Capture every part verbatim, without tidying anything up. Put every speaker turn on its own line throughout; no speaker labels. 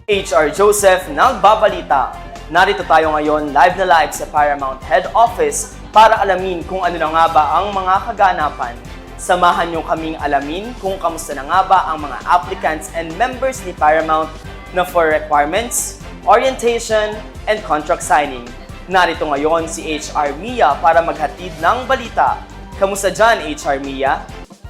H R Joseph nagbabalita. Narito tayo ngayon live na live sa Paramount Head Office para alamin kung ano na nga ba ang mga kaganapan. Samahan niyo kaming alamin kung kamusta na nga ba ang mga applicants and members ni Paramount na for requirements, orientation, and contract signing. Narito ngayon si H R Mia para maghatid ng balita. Kamusta dyan, H R Mia?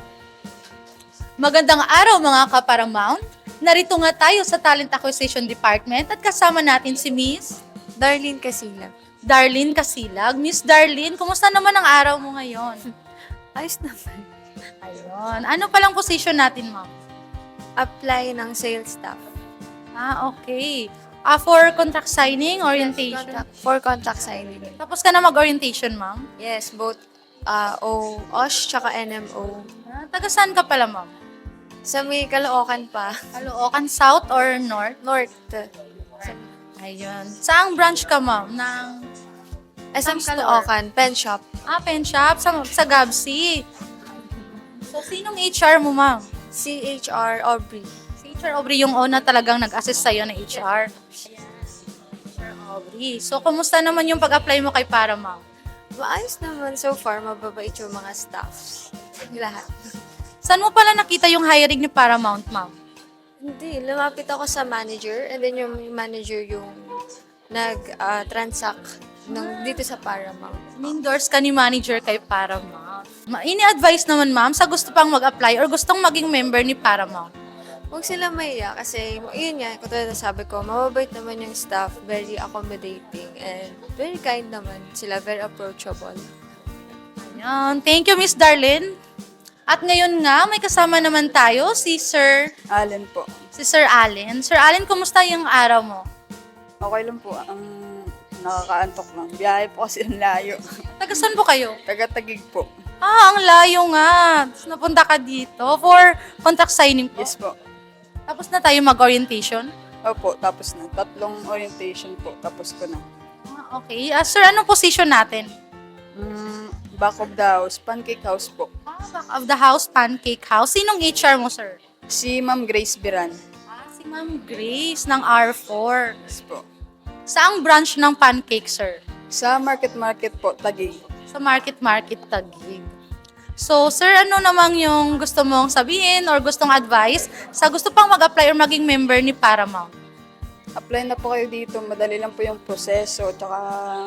Magandang araw mga ka-Paramount. Narito nga tayo sa Talent Acquisition Department at kasama natin si Miss
Darlene Casilag.
Darlene Casilag. Miss Darlene, kumusta naman ang araw mo ngayon?
Ayos naman.
Ayun. Ano palang position natin, ma'am?
Apply ng sales staff.
Ah, okay. Ah, for contract signing, orientation.
Contract, for contract signing.
Tapos ka na mag-orientation, ma'am?
Yes, both uh, O, O S, tsaka N M O.
Ah, taga saan ka pala, ma'am?
Sa may Caloocan pa.
Caloocan South or North?
North. Sa
Ayun. Saang branch ka, ma'am? Ng
S M
Saan ka,
Caloocan, pen shop.
ah, pen shop sa, sa Gabsi. So, sinong H R mo, ma'am?
C H R Aubrey.
Si H R Aubrey yung una talagang nag-assist sa'yo na H R. H R Aubrey. So, kumusta naman yung pag-apply mo kay Paramount?
Maayos naman so far, mababait yung mga staffs. Lahat.
Saan mo pala nakita yung hiring ni Paramount, ma'am?
Hindi, lumapit ako sa manager and then yung manager yung nag-transact ng dito sa Paramount.
Endorse ka ni manager kay Paramount. Ma- Ini-advise naman, ma'am, sa gusto pang mag-apply or gustong maging member ni Paramount.
Huwag sila mahiya kasi, yun nga, katulad na sabi ko, mababait naman yung staff, very accommodating, and very kind naman sila, very approachable.
Ayan. Thank you, Miss Darlene. At ngayon nga, may kasama naman tayo si Sir,
Allen po.
si Sir Allen. Sir Allen, kumusta yung araw mo?
Okay lang po. Ang nakakaantok lang. Biyahe po kasi ang layo.
Taga saan po kayo?
Taga-Tagig po.
Ah, ang layo nga. Tapos napunta ka dito for contract signing po.
Yes po.
Tapos na tayo mag-orientation?
Opo, tapos na. Tatlong orientation po. Tapos ko na.
Ah, okay. Ah, sir, anong position natin?
Mm, back of the house. Pancake house po.
Ah, back of the house, pancake house. Sinong H R mo, sir?
Si Ma'am Grace Biran.
Ah, si Ma'am Grace ng R four.
Yes po.
Saang branch ng pancake, sir?
Sa Market Market po, Tagig.
Sa Market Market Taguig. So, sir, ano namang yung gusto mong sabihin or gustong advice sa gusto pang mag-apply or maging member ni Paramount?
Apply na po kayo dito. Madali lang po yung proseso. Tsaka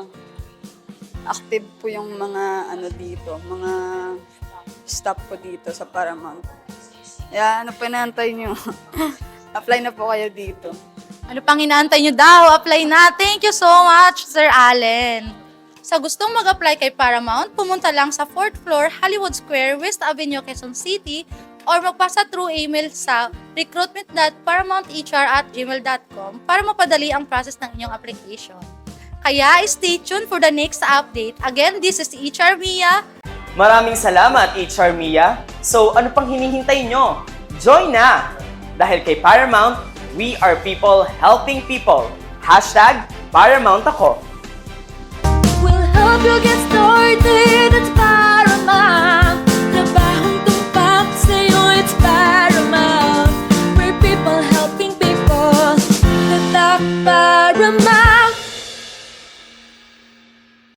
active po yung mga ano dito. Mga staff po dito sa Paramount. Kaya ano pa inaantay nyo? Apply na po kayo dito.
Ano pang inaantay nyo daw? Apply na. Thank you so much, Sir Allen. Sa gustong mag-apply kay Paramount, pumunta lang sa fourth floor, Hollywood Square, West Avenue, Quezon City or magpasa through email sa recruitment dot paramount h r at gmail dot com para mapadali ang process ng inyong application. Kaya stay tuned for the next update. Again, this is H R Mia.
Maraming salamat, H R Mia. So, ano pang hinihintay nyo? Join na! Dahil kay Paramount, we are people helping people. Hashtag Paramount ako.
We'll help you get started.